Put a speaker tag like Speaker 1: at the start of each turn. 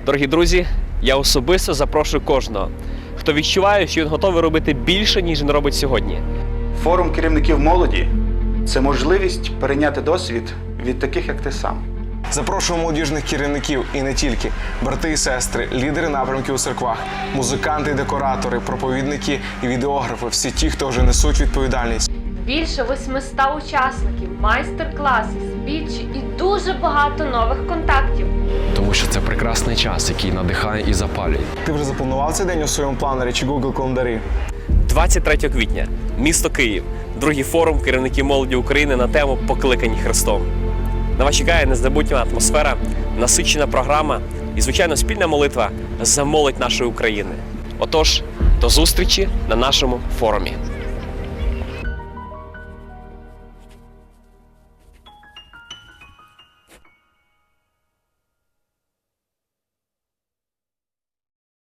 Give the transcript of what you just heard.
Speaker 1: Дорогі друзі, я особисто запрошую кожного, хто відчуває, що він готовий робити більше, ніж він робить сьогодні.
Speaker 2: Форум керівників молоді – це можливість перейняти досвід від таких, як ти сам.
Speaker 3: Запрошуємо молодіжних керівників і не тільки. Брати і сестри, лідери напрямків у церквах, музиканти і декоратори, проповідники і відеографи – всі ті, хто вже несуть відповідальність.
Speaker 4: Більше 800 учасників, майстер-класи, спічі і дуже багато нових контактів.
Speaker 5: Тому що це прекрасний час, який надихає і запалює.
Speaker 3: Ти вже запланував цей день у своєму планері чи Google календарі?
Speaker 1: 23 квітня, місто Київ, другий форум керівників молоді України на тему «Покликані Христом». На вас чекає незабутня атмосфера, насичена програма і, звичайно, спільна молитва за молодь нашої України. Отож, до зустрічі на нашому форумі.